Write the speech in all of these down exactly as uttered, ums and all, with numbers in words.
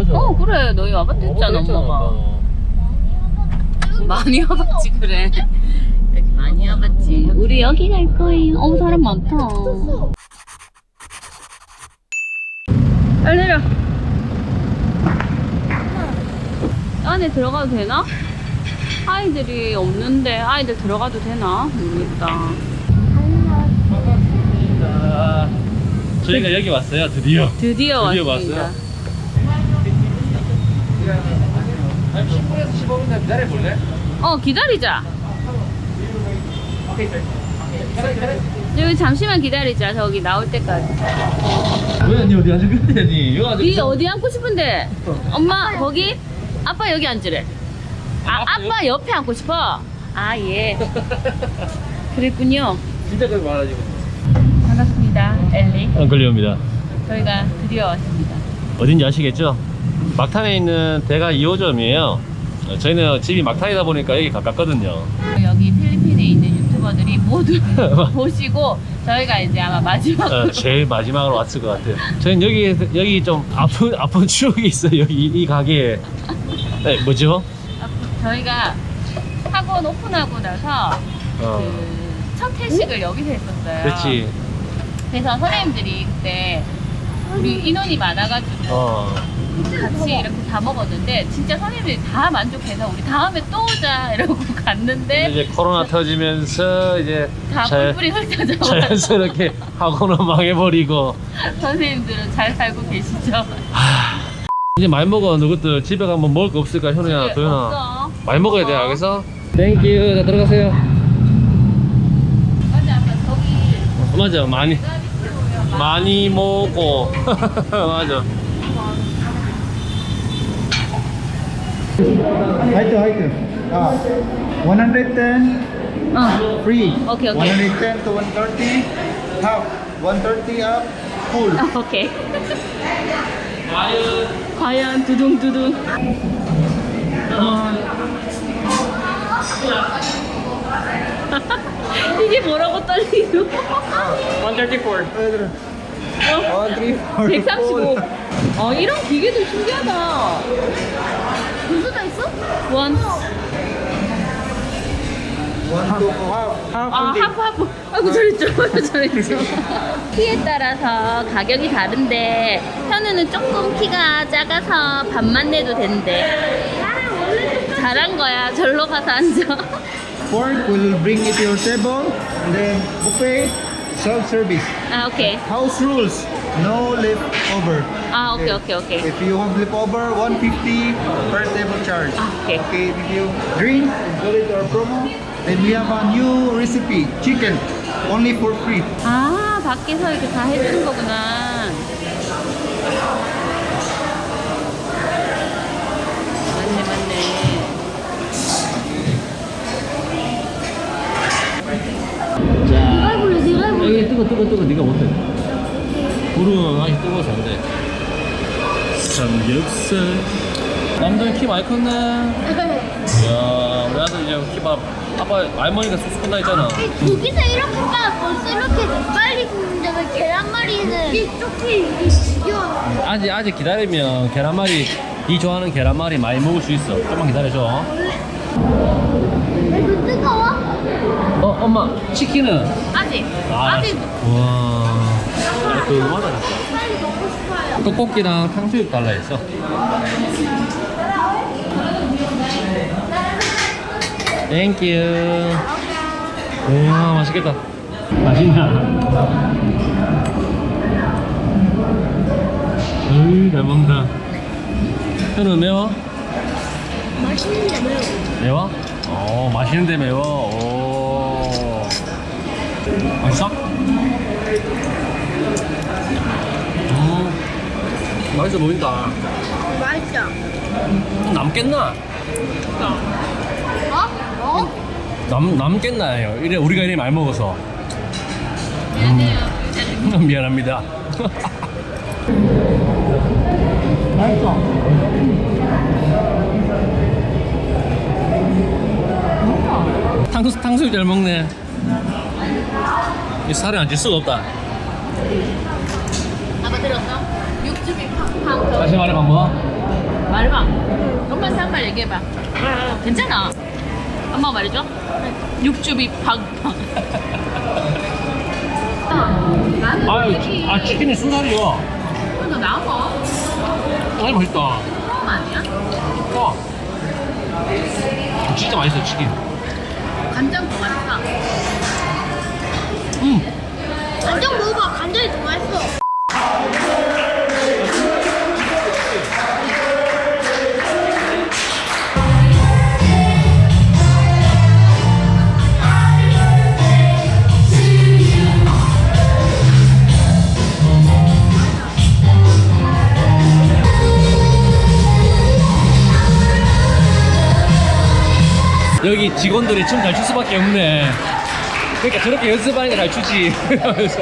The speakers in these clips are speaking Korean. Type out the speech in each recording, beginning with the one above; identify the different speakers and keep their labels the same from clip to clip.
Speaker 1: 맞아.
Speaker 2: 어 그래 너희 와봤다 했잖아 엄마가. 많이 와봤지 그래. 여기 많이 와봤지. 우리 여기 갈 거예요. 어우 사람 많다. 빨리 내려. 안에 들어가도 되나? 아이들이 없는데 아이들 들어가도 되나? 모르겠다.
Speaker 1: 자, 저희가 여기 왔어요. 드디어.
Speaker 2: 드디어,
Speaker 1: 드디어
Speaker 2: 왔습니다.
Speaker 1: 왔어요. 한 십 분에서 십오 분 기다려 볼래?
Speaker 2: 어 기다리자. 여기 잠시만 기다리자. 저기 나올 때까지.
Speaker 1: 왜? 니 어디 앉을 건데? 니 여기 앉을
Speaker 2: 네 어디 앉고 싶은데? 엄마 거기? 아빠 여기 앉으래. 아
Speaker 1: 아빠
Speaker 2: 아빠 옆에 앉고 싶어? 아 예. 그랬군요.
Speaker 1: 진짜 그렇게 말하지.
Speaker 2: 반갑습니다 엘리.
Speaker 1: 앙클리오입니다.
Speaker 2: 저희가 드디어 왔습니다.
Speaker 1: 어딘지 아시겠죠? 막탄에 있는 대가 이 호점이에요. 저희는 집이 막탄이다 보니까 여기 가깝거든요.
Speaker 2: 여기 필리핀에 있는 유튜버들이 모두 보시고 저희가 이제 아마 마지막
Speaker 1: 어, 제일 마지막으로 왔을 것 같아요. 저희는 여기 여기 좀 아픈 아픈 추억이 있어요. 여기 이 가게에. 네, 뭐죠?
Speaker 2: 저희가 학원 오픈하고 나서
Speaker 1: 어,
Speaker 2: 그 첫 회식을 여기서 했었어요.
Speaker 1: 그렇지.
Speaker 2: 그래서 선생님들이 그때 우리 인원이 많아가지고
Speaker 1: 어,
Speaker 2: 같이 이렇게 다 먹었는데 진짜 선생님들이 다 만족해서 우리 다음에 또 오자 이러고 갔는데
Speaker 1: 이제 코로나 터지면서 이제
Speaker 2: 다
Speaker 1: 자,
Speaker 2: 뿔뿔이 흩어져
Speaker 1: 자연스럽게 학원은 망해버리고.
Speaker 2: 선생님들은 잘 살고 계시죠?
Speaker 1: 이제 많이 먹어. 너것들 집에 가면 먹을 거 없을까? 현우야,
Speaker 2: 집에
Speaker 1: 도현아.
Speaker 2: 없어.
Speaker 1: 많이 먹어야 돼,
Speaker 2: 없어.
Speaker 1: 알겠어? 땡큐. 자, 들어가세요.
Speaker 2: 맞아 아빠 저기
Speaker 1: 맞아, 많이 많이 먹고. 맞아.
Speaker 3: Height height. Ah, one hundred ten
Speaker 2: 어
Speaker 3: free.
Speaker 2: Okay, okay.
Speaker 3: one hundred ten to one thirty half. one thirty up full.
Speaker 2: 아, 오케이. 과연 두둥두둥. 이게 뭐라고 떨리노?
Speaker 1: one thirty-four.
Speaker 2: 어?
Speaker 3: one three four.
Speaker 2: 백삼십오. 어 이런 기계도 신기하다. 분수가 있어? 원.
Speaker 3: one two half. Half.
Speaker 2: 아 하프 하프. 아이고 잘했죠. 잘했죠. 키에 따라서 가격이 다른데 현우는 조금 키가 작아서 반만 내도 된대. 잘한 거야. 절로 가서 앉아.
Speaker 3: Fork will bring it to your table and then buffet self service.
Speaker 2: 아 오케이.
Speaker 3: House rules. No leftover.
Speaker 2: 아 오케이 오케이 오케이.
Speaker 3: If you have leftover, one fifty per table charge.
Speaker 2: Ah, okay.
Speaker 3: Okay, if you drink, include our promo. Then we have a new recipe, chicken, only for free.
Speaker 2: 아 밖에서 이렇게 다 해주는 거구나. 맞네 맞네.
Speaker 1: 자, 여기 뜨거 뜨거 뜨거. 네가 못해. 불은 아직 뜨거워서 안 돼. 삼겹살. 남자는 키 많이 컸네. 이야, 우리 아들 이제 키밥 아빠 알머니가 쑥쑥 큰다 했잖아.
Speaker 4: 고기서 이렇게 빠 벌써 이렇게 빨리 굽는데 왜 계란말이는 이게 조금 이게 지겨워.
Speaker 1: 아직 아직 기다리면 계란말이 네 좋아하는 계란말이 많이 먹을 수 있어. 조금만 기다려줘.
Speaker 4: 이거 뜨거워?
Speaker 1: 어, 엄마 치킨은?
Speaker 2: 아직
Speaker 1: 아,
Speaker 2: 아직.
Speaker 1: 와, 깔끔하다.
Speaker 4: 빨리 먹고 싶어요.
Speaker 1: 떡볶이랑 탕수육 달라 했어. 땡큐. 우와, 맛있겠다. 맛있나? 으이, 잘 먹는다. 현우 매워?
Speaker 4: 맛있는데 매워.
Speaker 1: 매워? 어, 맛있는데 매워. 오. 맛있어? 음, 맛있어 보인다.
Speaker 4: 맛있어.
Speaker 1: 남겠나?
Speaker 4: 어? 어?
Speaker 1: 남, 남겠나요? 이래, 우리가 이래 많이 먹어서.
Speaker 2: 미안해요.
Speaker 1: 음, 미안합니다.
Speaker 3: 맛있어.
Speaker 1: 탕수, 탕수육 잘 먹네. 이 살이 안 찔 수가 없다.
Speaker 2: 아빠 들었어? 육즙이 팍. 카운터.
Speaker 1: 다시 말해봐 뭐?
Speaker 2: 말해봐. 엄마한테 한 말 얘기해봐. 괜찮아. 엄마 말해줘. 육즙이 팡팡.
Speaker 1: 아유 치- 아 치킨이 순살이야.
Speaker 2: 너 나와.
Speaker 1: 아이 맛있다.
Speaker 2: 그런 거 아니야?
Speaker 1: 어. 진짜 맛있어 치킨.
Speaker 2: 간장도 맛있다.
Speaker 1: 음.
Speaker 4: 간장 먹어봐. 간장이 더 맛있어.
Speaker 1: 여기 직원들이 춤 잘 출 수밖에 없네. 그러니까 저렇게 연습하니까 잘 추지. 하면서.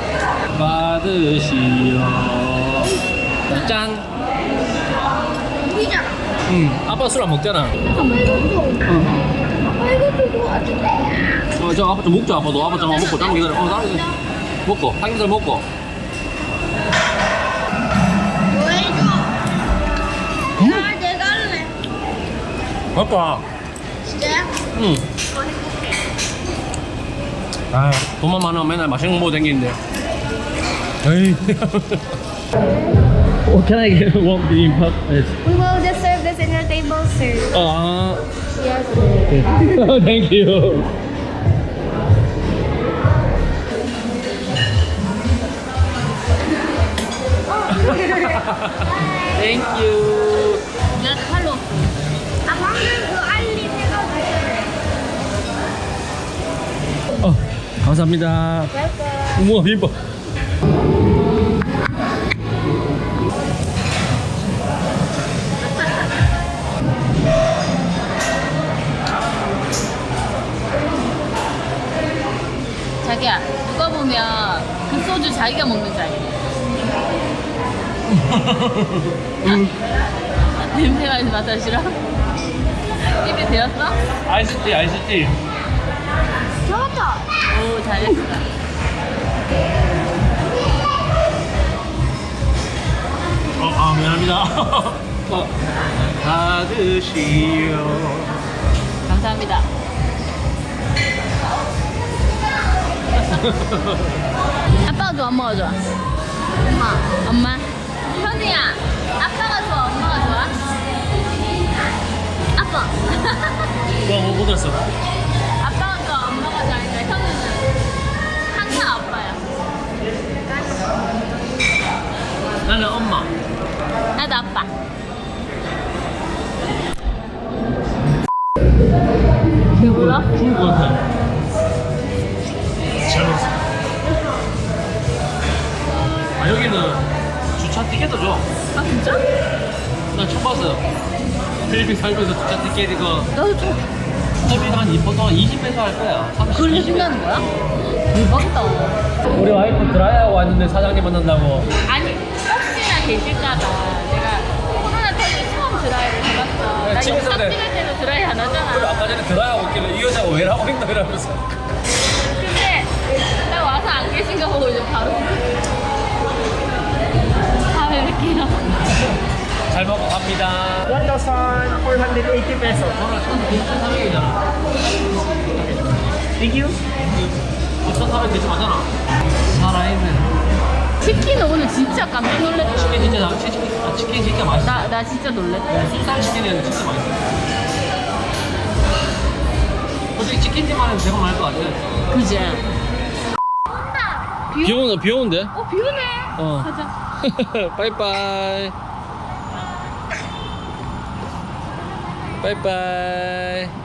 Speaker 1: 받으시오. 짠.
Speaker 4: 우리잖아.
Speaker 1: 응. 아빠 술 안 먹잖아.
Speaker 4: 아빠 이것도. 아빠 이것도 도와줄래.
Speaker 1: 어, 저 아빠 좀 먹자. 아빠도 아빠 잠깐 먹고 잠깐 기다려. 어, 나 이거 먹고 삼겹살 먹고.
Speaker 4: 뭐 해줘? 야, 내가 할래.
Speaker 1: 아빠.
Speaker 4: 진짜야?
Speaker 1: 응. 아, 돈만 많으면 맨날 맛있는 거 먹고 다니는데. 에이. What can I get? One bibimbap. Yes.
Speaker 4: We will just serve this in your table, sir.
Speaker 1: Ah.
Speaker 4: Yes.
Speaker 1: Oh, thank you. Thank you.
Speaker 2: 미안해, 팔로.
Speaker 4: 아, 방금 그 알림 해가지고.
Speaker 1: 어, 감사합니다. 우와, 비빔밥.
Speaker 2: 자기야, 누가 보면 그 소주 자기가 먹는 줄 알겠네. 냄새가 나서 맡아 싫어? 입에 대었어?
Speaker 1: 아이스티, 아이스티.
Speaker 4: 잡았다.
Speaker 2: 오, 잘했어.
Speaker 1: 어, 아, 미안합니다. 어, 받으시오.
Speaker 2: 감사합니다. 아빠가 좋아, 엄마가 좋아? 엄마. 엄마? 현우야, 아빠가 좋아, 엄마가 좋아? 아빠.
Speaker 1: 뭐, 뭐, 못 들었어.
Speaker 2: 아빠가 좋아, 엄마가 좋아하니까 현우는 항상 아빠야.
Speaker 1: 나는 엄마.
Speaker 2: 나도 아빠. 배불러?
Speaker 1: 죽을 것 같아. 잘 먹었어. 아, 여기는 주차 티켓도 줘.
Speaker 2: 아, 진짜?
Speaker 1: 나 처음 봤어. 필리핀 살면서 주차 티켓 이거.
Speaker 2: 나도 좀.
Speaker 1: 필리핀 한 보통 한 이십 페소 할 거야. 삼십,
Speaker 2: 그걸
Speaker 1: 이십.
Speaker 2: 해준다는 거야? 대박이다.
Speaker 1: 우리 와이프 드라이하고 왔는데 사장님 만난다고.
Speaker 2: 아니, 혹시나 계실까봐 내가 코로나 터지고 처음 드라이를 해봤어.
Speaker 1: 네,
Speaker 2: 나
Speaker 1: 집에서
Speaker 2: 영상
Speaker 1: 네.
Speaker 2: 찍을 때도 드라이 안
Speaker 1: 그리고
Speaker 2: 하잖아.
Speaker 1: 아까 전에 드라이하고 있길래 이 여자가 왜 라고 했나 이러면서.
Speaker 2: 근데 나 와서 안 계신 거 보고 이제 바로 다음에 뵐게요.
Speaker 1: 잘 먹고 갑니다.
Speaker 5: one thousand four hundred eighty pesos.
Speaker 1: 저는 천사백이잖아.
Speaker 5: Thank you.
Speaker 1: 천사백 대충 하잖아. 살아있는.
Speaker 2: 치킨은 오늘 진짜 깜짝 놀랐다.
Speaker 1: 치킨 진짜 나 치킨, 아, 치킨 진짜 맛있어.
Speaker 2: 나, 나 진짜 놀랐다.
Speaker 1: 순살 치킨은 진짜 맛있어. 솔직히 치킨집만은 대박 날것 같아.
Speaker 2: 그지?
Speaker 1: 비 오는 비 오는데?
Speaker 2: 어, 비 오네.
Speaker 1: 어.
Speaker 2: 가자.
Speaker 1: 빠이빠이. 빠이빠이.